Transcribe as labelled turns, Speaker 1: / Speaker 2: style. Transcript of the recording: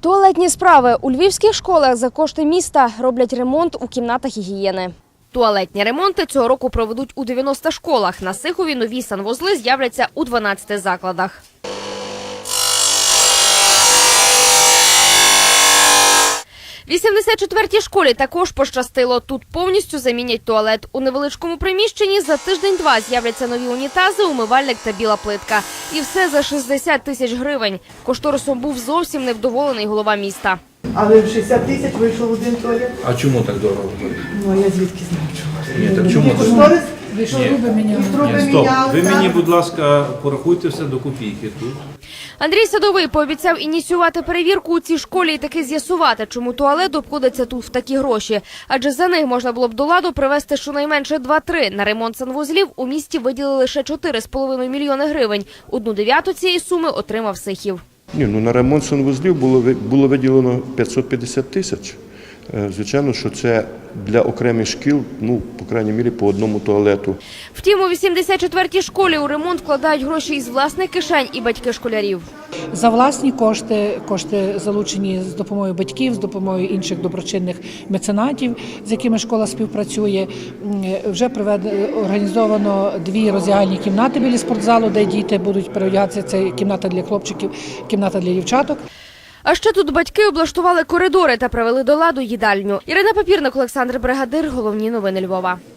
Speaker 1: Туалетні справи. У львівських школах за кошти міста роблять ремонт у кімнатах гігієни. Туалетні ремонти цього року проведуть у 90 школах. На Сихові нові санвузли з'являться у 12 закладах. В 84-й школі також пощастило. Тут повністю замінять туалет. У невеличкому приміщенні за тиждень-два з'являться нові унітази, умивальник та біла плитка. І все за 60 тисяч гривень. Кошторисом був зовсім невдоволений голова міста.
Speaker 2: Але в 60 тисяч вийшов один туалет.
Speaker 3: А чому так дорого?
Speaker 2: Ну, а я звідки знаю, чому.
Speaker 3: Ні, так чому це?
Speaker 2: Кошторис
Speaker 4: Вийшов труби міняли.
Speaker 2: труби
Speaker 3: Стоп,
Speaker 2: міняли.
Speaker 3: ви
Speaker 2: так.
Speaker 3: мені, будь ласка, порахуйте все до копійки тут.
Speaker 1: Андрій Садовий пообіцяв ініціювати перевірку у цій школі і таки з'ясувати, чому туалет обходиться тут в такі гроші. Адже за них можна було б до ладу привезти щонайменше 2-3. На ремонт санвузлів у місті виділили лише 4,5 мільйони гривень. 1/9 цієї суми отримав Сихів.
Speaker 5: На ремонт санвузлів було виділено 550 тисяч. Звичайно, що це для окремих шкіл, по крайній мірі, по одному туалету.
Speaker 1: Втім, у 84-й школі у ремонт вкладають гроші із власних кишень і батьки школярів.
Speaker 4: За власні кошти залучені з допомогою батьків, з допомогою інших доброчинних меценатів, з якими школа співпрацює. Вже організовано 2 роздягальні кімнати біля спортзалу, де діти будуть переодягатися. Це кімната для хлопчиків, кімната для дівчаток.
Speaker 1: А ще тут батьки облаштували коридори та привели до ладу їдальню. Ірина Папірник, Олександр Бригадир. Головні новини Львова.